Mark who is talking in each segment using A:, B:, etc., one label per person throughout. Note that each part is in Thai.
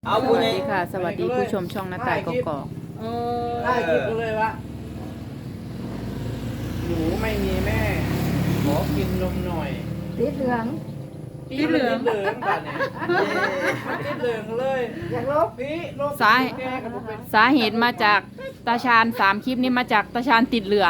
A: เอาสวัสดีค่ะสวัสดีผู้ชมช่องหน้าต่ายกอก
B: ได้คิดเลยวะหนูไม่มีแม่ขอกินนมหน่อย
C: ติดเหลือง
B: ติดเหลืองป่ะเนี่ยติดเหลืองเลย
C: อยากลบ
B: พี่ลบ
A: สาเหตุมาจากตาชาญ3 คลิปนี้มาจากตาชาญติดเหลือง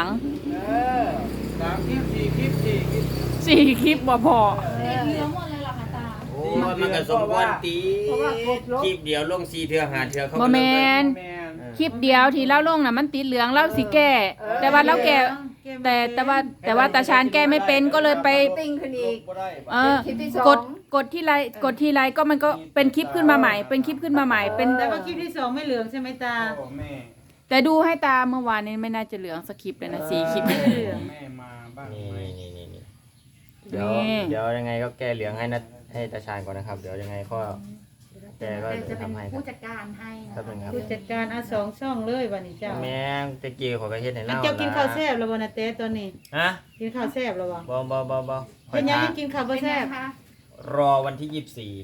B: 3 คลิป 4 คลิป
A: 4 คลิปบ่พอ
C: ติดเหลืองหมดเลยเหรอคะตา
D: โอ้มันก็สมควรตี
C: เพราะว่าครบลบ
D: คลิปเดียวลง4 เทื่อ5 เทื่อเขา
A: บ่แมน
B: แม่น
A: คลิปเดียวที่เล่าลงน่ะมันติดเหลืองเล่าสิแก้แต่ว่าเราแก้แต่ว่าตาชาญแก้ไม่เป็นก็เลยไป
C: ติ้งขึ้นอีก
B: บ่ได้
A: เออ
C: คลิปที่สอง
A: กดที่ไลค์ก็มันก็เป็นคลิปขึ้นมาใหม่ เป็นคลิปขึ้นมาใหม่เป็น
E: แต่ว่าคลิปที่สองไม่เหลืองใช่ไหมตา
B: พ่อแม่
A: แต่ดูให้ตาเมื่อวานนี้ไม่น่าจะเหลืองสักคลิปเลยนะ4 คลิป
E: ไม่เหลือง
B: แม่มาบ้าง
D: นี่
B: ไหม
D: นี่เดี๋ยวยังไงก็แก้เหลืองให้ให้ตาชาญก่อนนะครับ เดี๋ยวยังไงก็แกก็
C: จะ
D: จะ
C: เป็น
D: ทำให้ครั
C: ผู้
D: บ
C: จัดการให้นะ
D: ครับเป็นครับ
E: ผู้จัดการสองช่องเลยวันนี้เจ้า
D: แม่งตะกี้ขอกระเฮ็ดให้
E: อัน
D: เล่า
E: เจ้ากินข้าวแซ่บแล้วบ่นะเต้ตอนนี้
D: ฮะ
E: กินข้าวแซ่บแล้วบ่
D: บ่คอ
E: เป็
D: ย
E: นยัง
D: ทา
E: ยังกินข้าวบ่
C: เป็นไง
E: แซ่บ
C: คะ
D: รอวันที่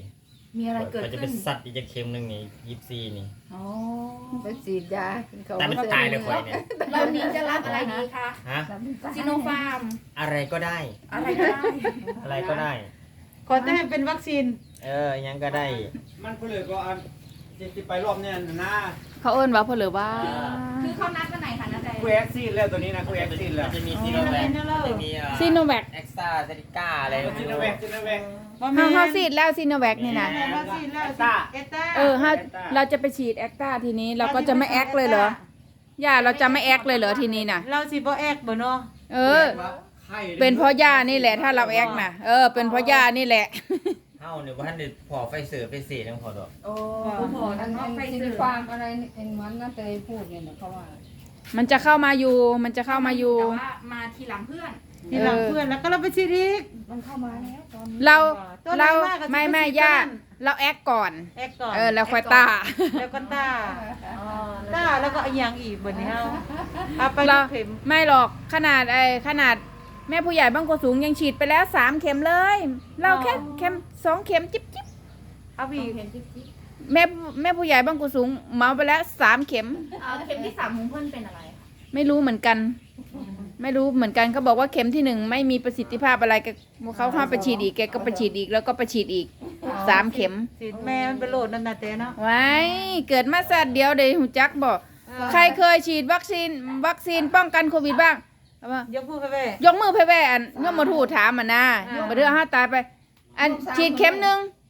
D: 24
C: มีอะไรเกิด
D: ก็จะ
C: ขึ้
D: เป็น นสัตว์อีกจะเค็มนึงนี่24นี่
C: อ๋อไปฉีดยาเขา
D: แต่มันตายเลยข่อยเนี่ย
C: เรานี้จะรับอะไรดีคะ
D: ฮะ
C: ซิโนฟาร์ม
D: อะไรก็ได้
C: อะไรก็ได้
D: อะไรก็ได้
E: ขอแต่ให้เป็นวัคซีน
D: ยังก็ได้
B: มันก็เลยก็อันจะไปรอบเนี่ยนะ
A: เขาเอิ้นว่าเพนหรือว่า
C: คือเขานัดวันไหนคะนัดใด
B: กูแอคซีนแล้วตัวนี้นะกูแอคซีนแล้ว
D: มันจะมีซีโนแวคจะมี
A: ซีโนแวค
D: เอ็กซ่าเซติก้าอะไร
B: จินแวก
E: บ่แม่น
A: เฮาซีดแล้วซีโนแวคนี่นะ
E: แม่นวัคซีนแล้วเอต้า
A: เราจะไปฉีดแอคตาทีนี้เราก็จะไม่แอคเลยเหรอย่าเราจะไม่แอคเลยเหรอทีนี้น่ะ
E: เราสิบ่แอกบ่เนาะ
A: เออ เป็นเพราะย่านี่แหละถ้าเราแอคน่ะเป็นเพราะย่านี่แหละ
D: เฮ้าเนี่ยว่าท่านเด็ดพอไฟเสือไปเสียทั้งพอดอก
C: โอ้โหอันซิโนฟาร์มอะไรเอ็นวันน่าจะพูดเนี่ยเขาว่า
A: มันจะเข้ามาอยู่
C: แต่ว่ามาทีหลังเพื่อน
E: ทีหลังเพื่อนแล้วก็เราไปฉีดอีก
C: มันเข้ามาแล้วตอนนี้
A: เรา
E: ตัวไหนมากก็
A: ไม่
E: สิบ
A: ย่า
E: เปอร์เซ็นต์
A: เราแอคก่อน
E: แอกก่อน
A: แล้วค่อยตา
E: แล้วก็ต้าแล้วก็อีกอย่างอีกบนนี้เฮาเอาไป
A: เรา
E: เข็ม
A: ไม่หรอกขนาดแม่ผู้ใหญ่บางกสูงยังฉีดไปแล้ว3 เข็มเลย เราแค่เข็ม2 เข็มจิ๊บ
E: เอาอีก
C: เห็นจิ๊บจิ๊บ
A: แม่ผู้ใหญ่บางกสูงเมาไปแล้ว3 เข็ม
C: เข็มที่3ของเพื่อนเป็นอะไร
A: ไม่รู้เหมือนกัน เขาบอกว่าเข็มที่1ไม่มีประสิทธิภาพอะไรก็เขาเข้าไปฉีดอีกแกก็ไปฉีดอีกแล้วก็ไปฉีดอีก3 เข็ม
E: สิแม่มันไปโหลดนั่นน่ะเต้เนาะ
A: ไว้เกิดมาสัตว์เดียวเดี๋ยวหูจักบอกใครเคยฉีดวัคซีนป้องกันโควิดบ้างเอามาย
E: กมือไปแม่
A: ยกมือไปแว่อันยกมาถูถามอ่ะนะมาเดือห้าตายไป อันฉีดเข็ม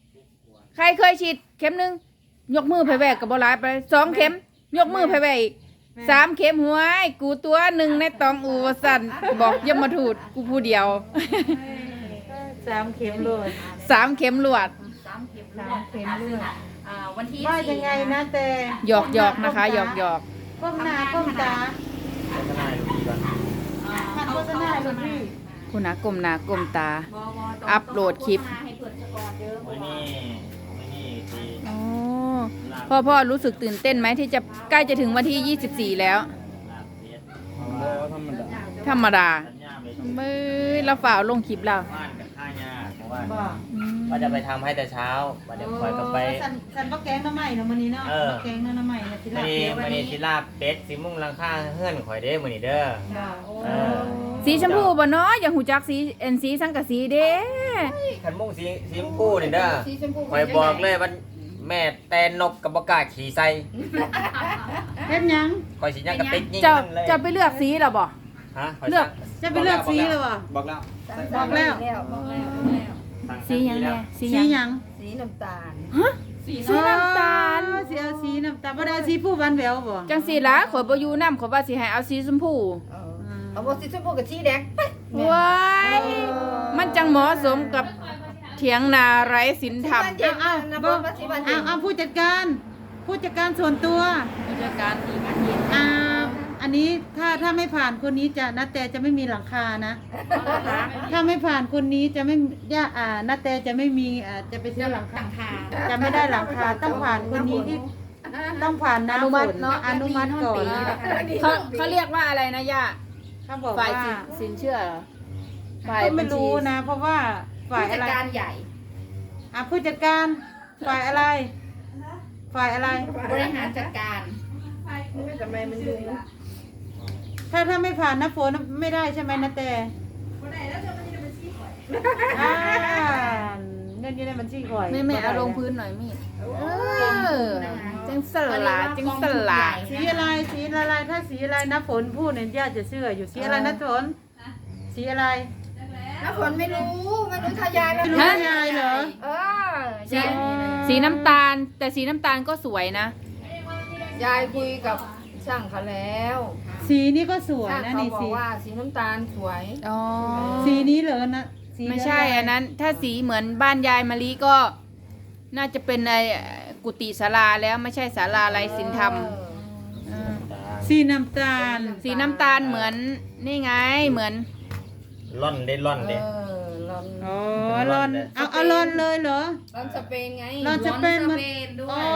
A: 1ใครเคยฉีดเข็ม 1ยกมือไปแว่กับบหลายไป2 เข็ม ยกมือไปแว่อีก3 เข็มหัวไอ้กูตัว1ในตองอูวสันบอกยมมาถูดกูผู้เดียว
E: 3 เข็มโหลด
A: 3 เข็มลวด
C: 3 เข็ม
E: 3 เข็มเลือด
C: วันที่
E: ว่ายังไงนะแต่
A: หยอกนะคะหยอก
E: ก้มหน้าก้มตา
D: โฆษณาดูดีก่อน
E: ทันโฆษณาลูกพี่
A: คุณนะกลมหนากลมตา อัพโหลดคลิป
C: ให้เปิดสกอร์เยอะ
D: ไม่นี่สิ
A: อ๋อพ่อรู้สึกตื่นเต้นไหมที่จะใกล้จะถึงวันที่ 24 แล้ว
D: ลาบเลียด
A: ธรรมดา
D: สัญญาไป
A: มือเราฝ่าลงคลิปเรา
D: บ้านกับข้ายาเพราะว่า
E: บ่
D: ว่าจะไปทำให้แต่เช้าวันเดี๋ยวคอยก็ไป
E: สันบ่แกงน้ำใหม่เนาะมื้อนี้เนาะบ่แกงน้ำใหม่เนี่ยสิลา
D: วันนี้สิลาบเป็ดสิมุ่งลังค่าเฮือนข่อยเด้มื้อนี้เด้อ เออ
A: สีชมพูบ่เนาะอย่างหูจักสีสังกะสีเด้
D: ขันมุ่งสีชมพูนี่เด้อ
C: สีชมพู
D: ข่อยบอกเลยว่าแม่แตนนกกับบ่กล้าขี่ใส่
E: เฮ็ดหยัง
D: ข่อยสิยังกระติกยิง
A: จะ
D: มันเลย
A: จะไปเลือกสีเหรอบ่
D: ฮะข่ย
A: เลือก
E: จะไปเลือกสีเลยบ่
B: บอกแล้ว
C: บอกแล้ว
D: สั่ง
A: สีหยังแน่สี
E: สี
A: หยัง
E: หยัง
C: สีน้ำตาล
A: สีน้ำตาล
E: สีเอาสีน้ำตาลบ่ได้สีผู้หวานแหววบ่
A: จังสีละข่อยบ่อยู่นำข่อยว่าสิให้เอาสีชมพู
C: เอาบอกสีชมพูกับสีแดงไป
A: ว้ายมันจังเหมาะสมกับเถียงนาไร้ศีลธรรม
E: เอาผู้จัดการส่วนตัว
A: ผู้จัดการอีกอันเย็น
E: อันนี้ถ้าไม่ผ่านคนนี้จะนาแต่จะไม่มีหลังคานะ ถ้าไม่ผ่านคนนี้จะไม่นาแต่จะไม่มีจะไปซื้อหลังคาจะไม่ได้หลังคาต้องผ่านคนนี้ที่ต้องผ่านน้ำฝนอนุมัติก่อน
A: เขาเรียกว่าอะไรนะย่า
E: เขาบอก
A: ฝ่าย
E: ว่า
A: สินเชื่อเหรอฝ่าย
E: ก็
A: บั
E: ไม่
A: ญชี
E: รู้นะ เพราะว่าฝ่าย
C: ผู้
E: อะไร
C: จัดการใหญ่
E: ผู้จัดการฝ่ายอะไรฝ่ายอะไร
A: บริหารจัดการ
C: ทำไมมันอยู่
E: ถ้าไม่ผ่านนะฝนไม่ได้ใช่ไหมนะแต่อ่าเงินอยู่ในบัญชีข่อย
A: ไม่เอาลงพื้นหน่อยมีดจังสลาจังสลา
E: สีอะไรสีอะไรถ้าสีอะไรนะฝนพูดเนี่ยย่าจะเชื่ออยู่สีอะไรนะฝนสีอะไร
C: น้ำฝนไม่รู้ทายายไม่
E: ไม่รู้ยายเหรอ
A: สีน้ำตาล แต่สีน้ำตาลก็สวยนะ
C: ยายคุยกับช่างเขาแล้ว
E: สีนี้ก็สวย
C: ช่าง
E: นะ
C: เขา
E: นี่
C: บอ
E: สี
C: กว่าสีน้ำตาลสวย
A: อ๋อ
E: สีนี้เหรอนะสี
A: ไม่ใช่อันนั้น ถ้าสีเหมือนบ้านยายมะลิก็ น่าจะเป็นในกุฏิศาลาแล้วไม่ใช่ศาลาไรศิลธรรมา
E: สีน้ำตาล
A: สีน้ำตาลเหมือนนี่ไงเหมือน
D: ล่อนได้ล่อนเด้
C: ร้อน
E: อ๋อรอนเอารอนเลยเหรอ
C: ร้อนสเปนไง
E: รอนสเปนมันโอ้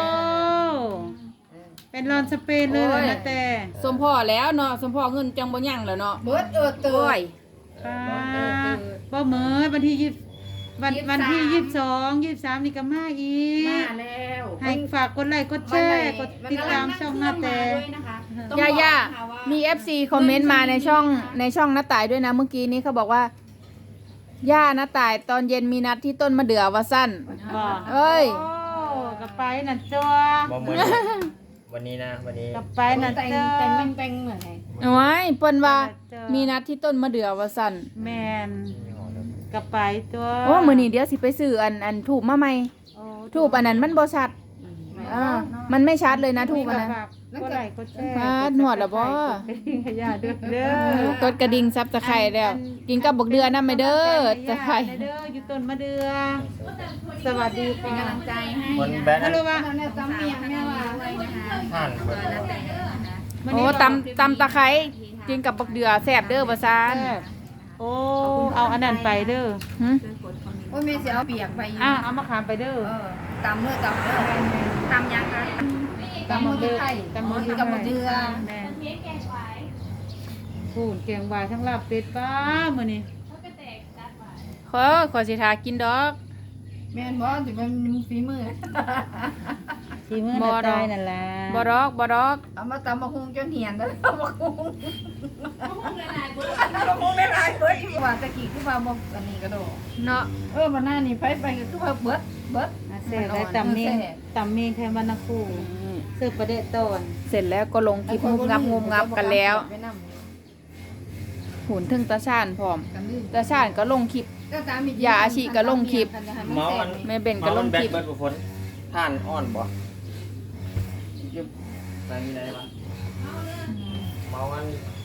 E: เป็นรอนสเปนเลยเหรอนะแต่
A: สมพ่อแล้วเนาะสมพ่อเงินจังบ่ยั่งแล้วเนาะ
C: เบิร์ดเตื
A: โอ้ย
E: ป้าเหมยวันที่วันที่22 23นี่ก็มาอีก
C: มาแล้ว
E: ให้ฝากกดไลค์กดแชร์กดติดตามช่องหน้าแต่
A: ย่ามี FC คอมเมนต์มาในช่องน้าต่ายด้วยนะเมื่อกี้นี้เขาบอกว่าย่าน้าต่ายตอนเย็นมีนัดที่ต้นมะเดื่อว่าสั้น
E: บอก
A: เอ้ย
E: โอ้กลับไปนั่นตัว
D: บ่เหมือนวันนี้นะวันนี้
E: กลับไปนั่น
C: แต่ง
E: ตัว
C: แต่งเหมือนไง
A: เอาไว้เปิ้นว่ามีนัดที่ต้นมะเดื่อว่าสั้น
E: แมนกลับไปตัว
A: โอ้มื้อนี้เดี๋ยวสิไปซื้ออันถูกมาใหม่
E: โอ้
A: ถูกอันนั้นมันบ่ชัดมันไม่ชัดเลยนะถูกอันนั้น
E: ฝากกดไลค์กดแชร์
A: อ่าหนวดเหรอบ่
E: กดกระดิ่งขยะด้วยเด้อก
A: ดกระดิ่งซับตะไคร้แล้ว กินกับบักเดือนะไม่เด้อตะไคร้
E: เด้ออยู่ต้นมะเดือสวัสดี
C: เป็น
E: ค่ะ
C: กำลังใจให้
D: คน
C: นะ
D: แบน
E: ฮัลโหลว่า
C: ตอนนี้จำเมียงแม่ว่าไว้นะคะ
D: ท่านเปิด
A: โอ้ตำตะไคร้กินกับบักเดือแซ่บเด้อว่าซาน
E: โอ้เอาอันนั้นไปเด้อ
A: หึ
C: โอ้ยแม่เสียเอาเปียกไปอยู่
E: เอามะขามไปเด้อ
C: ตำเนื้อตำเนื้อตำยังคะตำมือไข่
E: ตำมือ
C: ตำมือเดือ
E: แม่พูนแกงวายทั้งลาบเป็ดป้ามื้อนี้
A: ขอสิทากินดอก
C: แม่นบอกจะเป็นฝีมือ
E: สีมือ
A: บ่
E: น่ะ
A: ดอก
E: ตายนั่นล่ะ
A: บ่ดอกบ่ดอก
C: เอามาตำมะฮุงจนเหียนแล้วตำมะฮุงมะฮุงได้หลายเบิดว่าตะกี้คือว่าบ่อันนี้ก็โด
A: เนาะ
C: วันหน้านี่ไปก็คือว่าเบิด
E: อ่ะแซ่บแล้วตำเมงแค่มันนะครูเสิร์ฟประเดะตอน
A: เสร็จแล้วก็ลงคลิปงุบงับกันแล้วหุ่นถึงตาชานพร้อมตาชานก็ลงคลิป อย่าอาชีก็ลงคลิป
D: เมามัน
A: แม่เบนก็ลง
D: แบ
A: ค
D: น
A: ลิป
D: เบิดบุฝนท่านอ่อนบ่ยึบไปมีอะไรบ้างเมามัน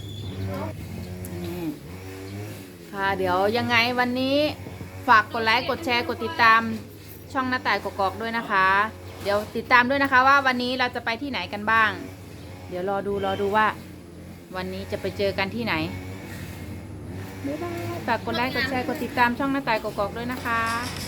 A: ค่ะเดี๋ยวยังไงวันนี้ฝากกดไลค์กดแชร์กดติดตามช่องหน้าต่ายกอกๆด้วยนะคะ เดี๋ยวติดตามด้วยนะคะว่าวันนี้เราจะไปที่ไหนกันบ้าง เดี๋ยวรอดูว่า วันนี้จะไปเจอกันที่ไหนบ๊ายบายฝากกดไลค์กดแชร์กดติดตามช่องหน้าต่ายกอกๆด้วยนะคะ